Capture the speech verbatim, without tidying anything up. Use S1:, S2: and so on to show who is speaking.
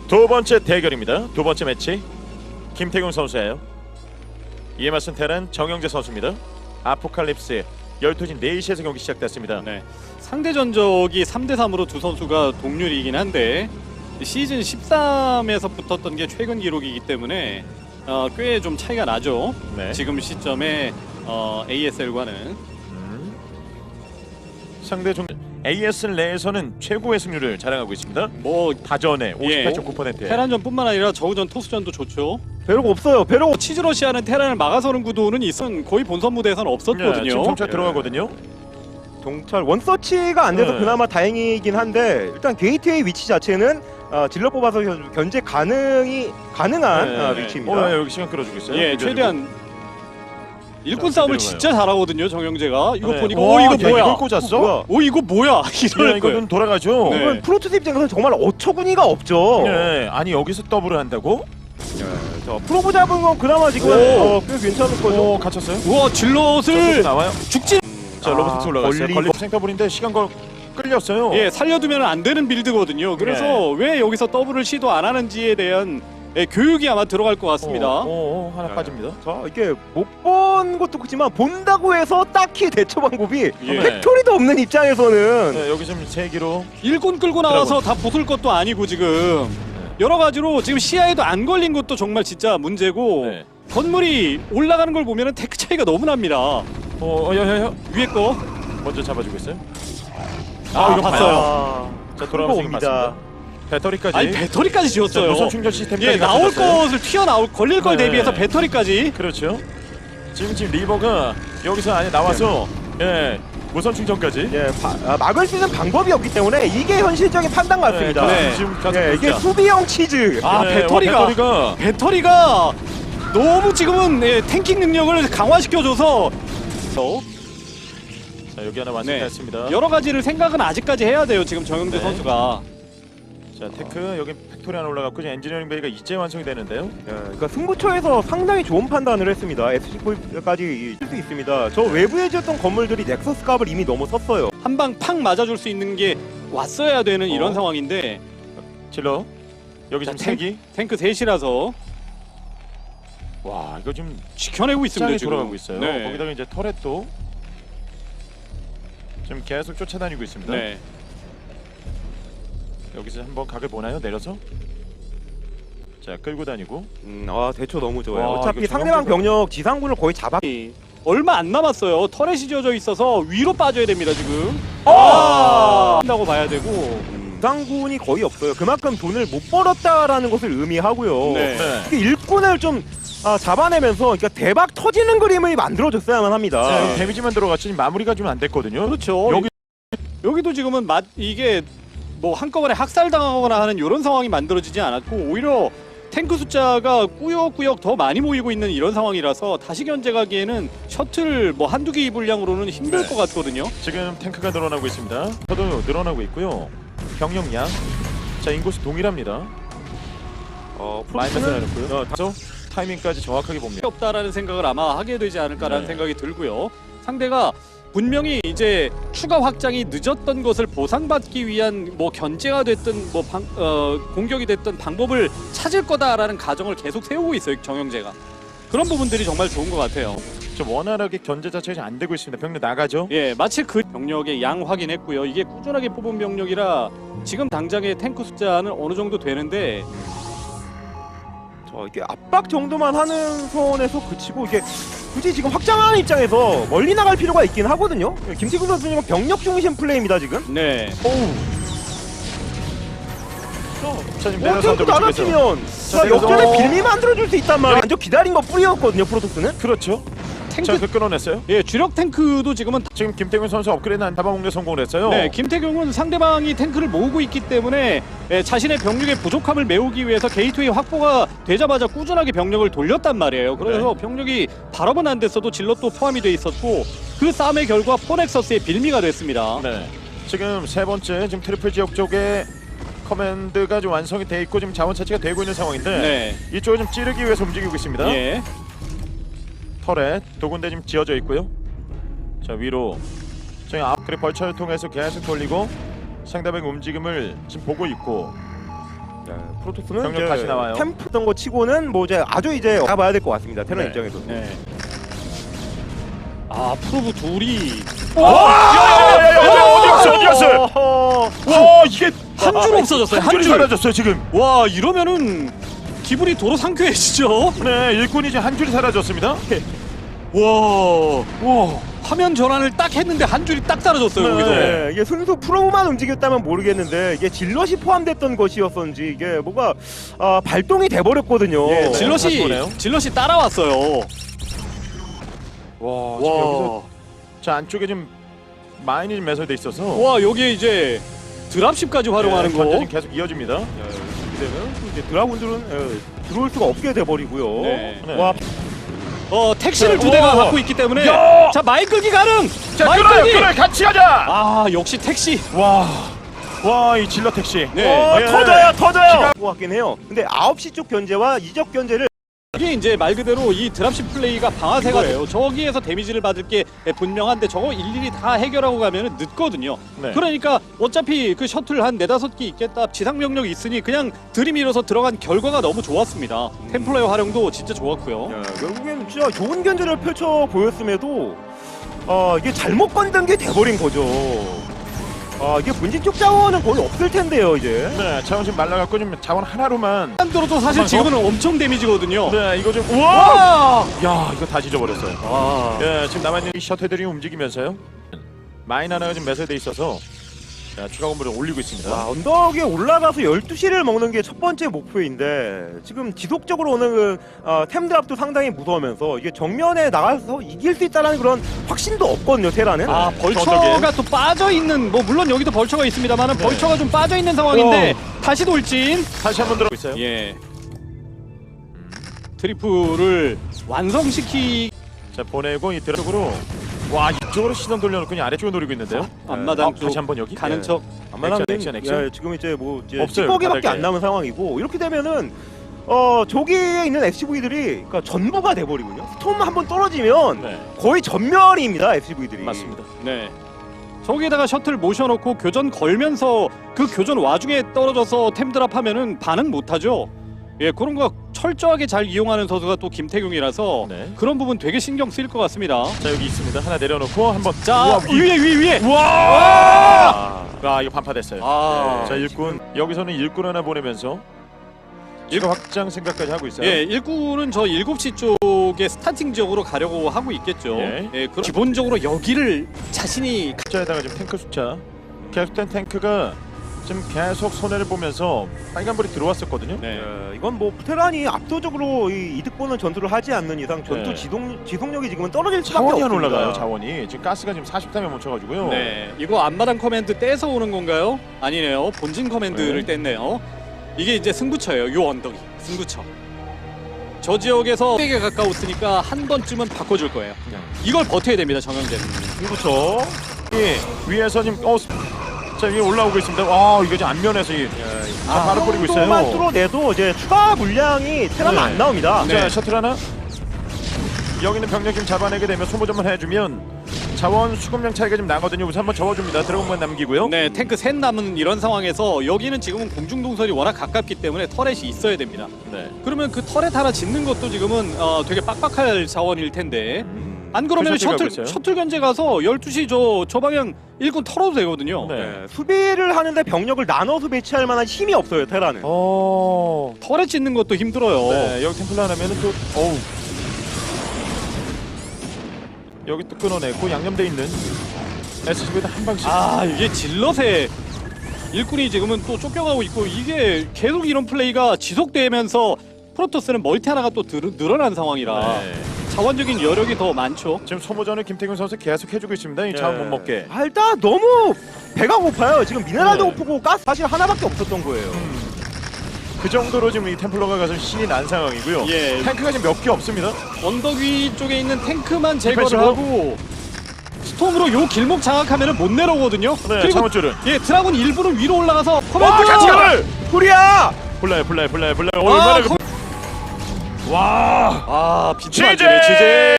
S1: 두 번째 대결입니다. 두 번째 매치 김태균 선수예요. 이에 맞선 테란 정영재 선수입니다. 아포칼립스 열두 시 네 시에서 경기 시작됐습니다.
S2: 네. 상대 전적이 삼 대 삼으로 두 선수가 동률이긴 한데 시즌 십삼에서 붙었던 게 최근 기록이기 때문에 어, 꽤 좀 차이가 나죠.
S1: 네.
S2: 지금 시점에 어, 에이에스엘과는
S1: 음. 상대 종 에이에스엘 내에서는 최고의 승률을 자랑하고 있습니다.
S2: 뭐
S1: 다전에
S2: 예.
S1: 오십팔 점 구 퍼센트.
S2: 테란전뿐만 아니라 저우전 토스전도 좋죠.
S3: 배로가 없어요. 배로가
S2: 치즈러시아는 테란을 막아서는 구도는 있은 거의 본선 무대에서는 없었거든요.
S1: 지금 정찰
S3: 예.
S1: 들어가거든요.
S3: 정찰 원서치가 안 돼서
S1: 네.
S3: 그나마 다행이긴 한데 일단 게이트웨이 위치 자체는 어, 질러 뽑아서 견- 견제 가능이 가능한
S1: 네.
S3: 어,
S2: 네.
S3: 위치입니다.
S1: 어, 예, 여기 시간 끌어주고 있어요.
S2: 예,
S1: 비벼주고.
S2: 최대한 일꾼
S1: 자,
S2: 싸움을
S1: 그대로
S2: 진짜 잘하거든요, 정영재가. 이거
S1: 네.
S2: 보니까
S1: 와,
S2: 오 이거
S1: 야,
S2: 뭐야?
S1: 이걸 꽂았어?
S3: 뭐야?
S2: 오 이거 뭐야? 이럴
S1: 예,
S2: 거예요.
S1: 이거는 돌아가죠.
S2: 네.
S3: 이건 프로토스 입장에서는 정말 어처구니가 없죠.
S1: 예, 아니 여기서 더블을 한다고?
S3: 예, 저 프로브 잡은 건 그나마 지금
S1: 오.
S3: 어, 꽤 괜찮을 거죠.
S1: 오, 갇혔어요?
S2: 우와
S1: 자,
S2: 질럿을
S1: 나와요.
S2: 죽지.
S1: 자,
S3: 아,
S1: 로봇 올라갔어요.
S3: 걸리고-
S1: 걸리 생터블인데 시간 걸 끌렸어요.
S2: 예, 살려두면 안 되는 빌드거든요. 그래서
S1: 네.
S2: 왜 여기서 더블을 시도 안 하는지에 대한 예, 교육이 아마 들어갈 것 같습니다.
S1: 오, 오, 오, 하나
S3: 네.
S1: 빠집니다.
S3: 자 이게 못 본 것도 그렇지만 본다고 해서 딱히 대처 방법이
S2: 예.
S3: 팩토리도 없는 입장에서는
S1: 네, 여기 지금 세 기로.
S2: 일꾼 끌고 나와서 다 부술 것도 아니고 지금 여러 가지로 지금 시야에도 안 걸린 것도 정말 진짜 문제고
S1: 네.
S2: 건물이 올라가는 걸 보면은 테크 차이가 너무 납니다.
S1: 어, 어, 야, 야, 야.
S2: 위에 거.
S1: 먼저 잡아주고 있어요.
S2: 아,
S1: 이거
S2: 봤어요.
S3: 아,
S1: 자, 돌아오면서
S3: 옵니다.
S1: 맞습니다. 배터리까지.
S2: 아니 배터리까지
S1: 자,
S2: 지었어요.
S1: 무선 충전 시스템까지
S2: 예, 나올
S1: 갖춰졌어요.
S2: 것을 튀어나올 걸릴 걸
S1: 네.
S2: 대비해서 배터리까지.
S1: 그렇죠. 지금 지금 리버가 여기서 안에 나와서 예 무선 충전까지.
S3: 예, 바, 아, 막을 수 있는 방법이 없기 때문에 이게 현실적인 판단 같습니다.
S2: 네.
S1: 지금 가서
S3: 예, 이게
S1: 보자.
S3: 수비형 치즈.
S2: 아
S1: 네,
S2: 배터리가
S1: 와, 배터리가
S2: 배터리가 너무 지금은 예, 탱킹 능력을 강화시켜줘서 어,
S1: 자 여기 하나
S2: 네.
S1: 완성됐습니다.
S2: 여러 가지를 생각은 아직까지 해야 돼요. 지금 정영재
S1: 네.
S2: 선수가.
S1: 자 테크 여기 팩토리 하나 올라갔고 지금 엔지니어링 베이가 이제 완성이 되는데요.
S3: 예, 그러니까 승부처에서 상당히 좋은 판단을 했습니다. 에스씨까지 칠 수 있습니다. 저 외부에 지었던 건물들이 넥서스 값을 이미 넘어섰어요.
S2: 한 방 팍 맞아줄 수 있는 게 왔어야 되는 이런
S1: 어.
S2: 상황인데
S1: 질러 여기
S2: 자,
S1: 지금 세 기.
S2: 탱크 셋이라서
S1: 와 이거 지금
S2: 지켜내고 있습니다.
S1: 짱이
S2: 지금
S1: 돌아가고 있어요.
S2: 네.
S1: 거기다가 이제 터렛도 지금 계속 쫓아다니고 있습니다.
S2: 네.
S1: 여기서 한번 각을 보나요? 내려서. 자 끌고 다니고.
S3: 음, 아 대처 너무 좋아요.
S1: 와,
S3: 어차피
S1: 이거
S3: 상대방
S1: 정영재가-
S3: 병력 지상군을 거의 잡아.
S2: 얼마 안 남았어요. 터렛이 지어져 있어서 위로 빠져야 됩니다. 지금.
S3: 아!
S2: 한다고 봐야 되고.
S3: 지상군이 거의 없어요. 그만큼 돈을 못 벌었다라는 것을 의미하고요.
S2: 네.
S1: 네.
S3: 특히 일꾼을 좀 아, 잡아내면서 그러니까 대박 터지는 그림을 만들어줬어야만 합니다.
S1: 자, 여기 데미지만 들어갔지 마무리가 좀 안 됐거든요.
S2: 그렇죠.
S1: 여기
S2: 여기도 지금은 맛 이게 뭐 한꺼번에 학살당하거나 하는 이런 상황이 만들어지지 않았고 오히려 탱크 숫자가 꾸역꾸역 더 많이 모이고 있는 이런 상황이라서 다시 견제가기에는 셔틀 뭐 한두 개 분량으로는 힘들
S1: 네.
S2: 것 같거든요.
S1: 지금 탱크가 늘어나고 있습니다. 저도 늘어나고 있고요. 병력량. 자 인구수 동일합니다.
S3: 어,
S1: 마이너스
S3: 프로토스는
S1: 해놓고요. 그래서 타이밍까지 정확하게 봅니다.
S2: 없다라는 생각을 아마 하게 되지 않을까라는
S1: 네.
S2: 생각이 들고요. 상대가 분명히 이제 추가 확장이 늦었던 것을 보상받기 위한 뭐 견제가 됐든 뭐 방, 어, 공격이 됐든 방법을 찾을 거다라는 가정을 계속 세우고 있어요. 정영재가. 그런 부분들이 정말 좋은 것 같아요.
S1: 좀 원활하게 견제 자체가 잘 안 되고 있습니다. 병력 나가죠.
S2: 예, 마치 그 병력의 양 확인했고요. 이게 꾸준하게 뽑은 병력이라 지금 당장의 탱크 숫자는 어느 정도 되는데
S3: 저 이게 압박 정도만 하는 선에서 그치고 이게 굳이 지금 확장하는 입장에서 멀리 나갈 필요가 있긴 하거든요. 김태균 선수님은 병력 중심 플레이입니다 지금.
S2: 네.
S1: 오우. 자 지금
S3: 어,
S1: 내려서
S3: 탱크
S1: 한번 쪽에서.
S3: 나눠치면
S1: 자,
S3: 자, 역전의
S1: 내려서-
S3: 빌미 만들어줄 수 있단 말이에요. 완전 기다린 거 뿌리였거든요 프로토스는.
S1: 그렇죠.
S2: 탱크
S1: 자, 그 끊어냈어요.
S2: 예, 주력 탱크도 지금은
S1: 지금 김태균 선수 업그레이드 한 잡아먹는 성공을 했어요.
S2: 네, 김태경은 상대방이 탱크를 모으고 있기 때문에 예, 자신의 병력의 부족함을 메우기 위해서 게이트웨이 확보가 되자마자 꾸준하게 병력을 돌렸단 말이에요. 그래서
S1: 네.
S2: 병력이 발업은 안 됐어도 질럿도 포함이 돼 있었고 그 싸움의 결과 포넥서스의 빌미가 됐습니다.
S1: 네. 지금 세 번째 지금 트리플 지역 쪽에 커맨드가 좀 완성이 돼 있고 지금 자원 차치가 되고 있는 상황인데
S2: 네.
S1: 이쪽을 좀 찌르기 위해서 움직이고 있습니다.
S2: 예.
S1: 터렛 두 군데 지금 지어져 있고요. 자 위로 저희 앞그리 벌처를 통해서 계속 돌리고 상대방의 움직임을 지금 보고 있고
S3: 프로토스는
S1: 병력
S3: 이제
S1: 다시 나와요.
S3: 템프던 거 치고는 뭐 이제 아주 이제 가봐야 될 것 같습니다. 테란
S2: 네.
S3: 입장에서.
S2: 네. 아 프로브 둘이
S1: 야야야야야 어디 갔어 어디 갔어? 와 이게
S2: 한 줄 없어졌어요.
S1: 한
S2: 한
S1: 줄이
S2: 줄.
S1: 사라졌어요 지금.
S2: 와 이러면은 기분이 도로 상쾌해지죠.
S1: 네 일꾼이 지금 한 줄이 사라졌습니다.
S2: 와, 와 화면 전환을 딱 했는데 한 줄이 딱 사라졌어요.
S1: 네.
S2: 여기서.
S3: 네, 이게 순수 프로만 움직였다면 모르겠는데 이게 질럿이 포함됐던 것이었던지 이게 뭐가 아, 발동이 돼버렸거든요.
S2: 예,
S1: 다시
S2: 질럿이
S1: 보네요.
S2: 질럿이 따라왔어요.
S1: 와 지금 여기서
S2: 와,
S1: 자 안쪽에 지금 마인이 좀 매설돼 있어서
S2: 와 여기에 이제 드랍십까지 활용하는 거.
S1: 전쟁이 계속 이어집니다.
S3: 야, 이렇게 되면 이제 드라군들은 예, 들어올 수가 없게 돼버리고요.
S2: 네.
S1: 네.
S3: 와,
S2: 어 택시를
S1: 네.
S2: 두 대가
S1: 오.
S2: 갖고 있기 때문에
S1: 야.
S2: 자 마인 끌기 가능.
S1: 자
S2: 마인
S1: 끌어요
S2: 끌기.
S1: 끌어요 같이 가자.
S2: 아 역시 택시.
S1: 와와 이 질러 택시.
S2: 네.
S3: 어,
S1: 예.
S3: 터져요, 터져요. 것 같긴 해요. 근데 아홉 시 쪽 견제와 이적 견제를
S2: 이게 이제 말 그대로 이 드랍십 플레이가 방아쇠가 돼요. 저기에서 데미지를 받을 게 분명한데 저거 일일이 다 해결하고 가면은 늦거든요.
S1: 네.
S2: 그러니까 어차피 그 셔틀 한 네다섯 개 있겠다. 지상 병력이 있으니 그냥 들이밀어서 들어간 결과가 너무 좋았습니다. 템플러의 활용도 진짜 좋았고요.
S3: 야, 결국엔 진짜 좋은 견제를 펼쳐 보였음에도 어, 이게 잘못 건든 게 돼버린 거죠. 아, 이게 본진 쪽 자원은 거의 없을 텐데요, 이제.
S1: 네 자원 지금 말라갖고 지금 자원 하나로만.
S2: 한도로도 사실 지금은 엄청 데미지거든요.
S1: 네 이거 좀 우와.
S2: 와!
S1: 야 이거 다 짓어버렸어요.
S2: 와.
S1: 예 지금 남아있는 이 셔틀들이 움직이면서요. 마인 하나가 지금 매설돼 있어서 자 추가 건물을 올리고 있습니다.
S3: 와, 언덕에 올라가서 열두 시를 먹는 게 첫 번째 목표인데 지금 지속적으로 오는 그 어, 템드랍도 상당히 무서우면서 이게 정면에 나가서 이길 수 있다는 그런 확신도 없거든요, 테라는.
S2: 아 벌처가 또 빠져 있는 뭐 물론 여기도 벌처가 있습니다만은
S1: 네.
S2: 벌처가 좀 빠져 있는 상황인데 다시 돌진.
S1: 다시 한번 들어오고 있어요.
S2: 예. 트리플을 완성시키
S1: 자 보내고 이 드랍으로 와 이쪽으로 시선 돌려놓고 그냥 아래쪽을 노리고 있는데요.
S2: 앞마당
S1: 어,
S2: 쪽
S1: 다시 한번 여기
S2: 가는
S3: 예.
S2: 척.
S3: 안마당은
S1: 액션, 액션.
S3: 예, 지금 이제 뭐 이제
S1: 없어요,
S3: 찌꺼기밖에
S1: 바닥에.
S3: 안 남은 상황이고 이렇게 되면은 어 저기에 있는 에스씨브이들이 그러니까 전부가 돼버리군요. 스톰 한번 떨어지면
S1: 네
S3: 거의 전멸입니다, 에스씨브이들이.
S1: 맞습니다.
S2: 네. 저기에다가 셔틀 모셔놓고 교전 걸면서 그 교전 와중에 떨어져서 템드랍 하면은 반응 못하죠. 예, 그런 거 철저하게 잘 이용하는 선수가 또 김태경이라서
S1: 네.
S2: 그런 부분 되게 신경 쓰일 것 같습니다.
S1: 자 여기 있습니다. 하나 내려놓고 한번.
S2: 자
S1: 우와, 위.
S2: 위에 위에 위에.
S1: 와! 아 이거 반파됐어요.
S2: 아,
S1: 자 일꾼 여기서는 일꾼 하나 보내면서 추가 확장 생각까지 하고 있어요.
S2: 예, 일꾼은 저 일곱 시 쪽에 스타팅 지역으로 가려고 하고 있겠죠.
S1: 예.
S2: 예, 그럼 기본적으로 여기를 자신이
S1: 숫자에다가 지금 탱크 숫자 계속된 탱크가 지금 계속 손해를 보면서 빨간불이 들어왔었거든요.
S2: 네.
S3: 예, 이건 뭐 테란이 압도적으로 이 이득 보는 전투를 하지 않는 이상 전투
S1: 네.
S3: 지속 지속력이 지금은 떨어질 수밖에
S1: 자원이 안
S3: 없습니다.
S1: 올라가요. 자원이 지금 가스가 지금 사십삼에 멈춰가지고요.
S2: 네, 이거 앞마당 커맨드 떼서 오는 건가요? 아니네요. 본진 커맨드를 뗐네요. 이게 이제 승부처예요. 요 언덕이 승부처. 저 지역에서 백에 가까웠으니까 한 번쯤은 바꿔줄 거예요. 이걸 버텨야 됩니다, 정영재는.
S3: 그렇죠.
S1: 예, 위에서 지금 어, 자 위에 올라오고 있습니다. 와 이거 지금 안면에서 이, 아, 바로 뿌리고
S3: 정도만
S1: 있어요.
S3: 뚫어내도 이제 추가 물량이 테란은
S1: 네.
S3: 안 나옵니다.
S2: 네.
S1: 자 셔틀 하나. 여기 있는 병력 좀 잡아내게 되면 소모점을 해주면 자원 수급량 차이가 좀 나거든요. 우선 한번 접어줍니다. 드래곤만 남기고요.
S2: 네, 탱크 셋 남은 이런 상황에서 여기는 지금은 공중동선이 워낙 가깝기 때문에 터렛이 있어야 됩니다.
S1: 네.
S2: 그러면 그 터렛 하나 짓는 것도 지금은 어, 되게 빡빡할 자원일 텐데
S3: 음.
S2: 안 그러면
S1: 그 셔틀 가고
S2: 셔틀
S1: 있어요?
S2: 셔틀 견제 가서 열두 시 저 저 방향 일꾼 털어도 되거든요.
S1: 네.
S3: 네, 수비를 하는데 병력을 나눠서 배치할 만한 힘이 없어요, 테라는.
S1: 어.
S2: 터렛 짓는 것도 힘들어요.
S1: 네, 여기 템플러 하나면은 또 어우. 여기 또 끊어내고 양념돼 있는 에스씨브이도 한 방씩.
S2: 아 이게 질럿에 일꾼이 지금은 또 쫓겨가고 있고 이게 계속 이런 플레이가 지속되면서 프로토스는 멀티 하나가 또 늘, 늘어난 상황이라
S1: 네.
S2: 자원적인 여력이 더 많죠.
S1: 지금 소모전을 김태균 선수 계속 해주고 있습니다. 이 자원
S3: 네.
S1: 못 먹게.
S3: 아, 일단 너무 배가 고파요. 지금 미네랄도
S1: 네.
S3: 고프고 가스 사실 하나밖에 없었던 거예요.
S1: 그 정도로 지금 이 템플러가 가서 신이 난 상황이고요.
S2: 예.
S1: 탱크가 지금 몇 개 없습니다.
S2: 언덕 위 쪽에 있는 탱크만 제거를
S1: 디펜시브.
S2: 하고 스톰으로 요 길목 장악하면 못 내려오거든요.
S1: 네,
S2: 그리고
S1: 창원줄은.
S2: 예 드라군 일부는 위로 올라가서
S1: 와,
S2: 커맨드
S1: 같이 가을!
S3: 후리야!
S1: 불나요, 불나요, 불나요, 불나요.
S2: 아,
S1: 얼마나 그...
S2: 커...
S1: 와,
S2: 아 비트
S1: 지제!
S2: 지제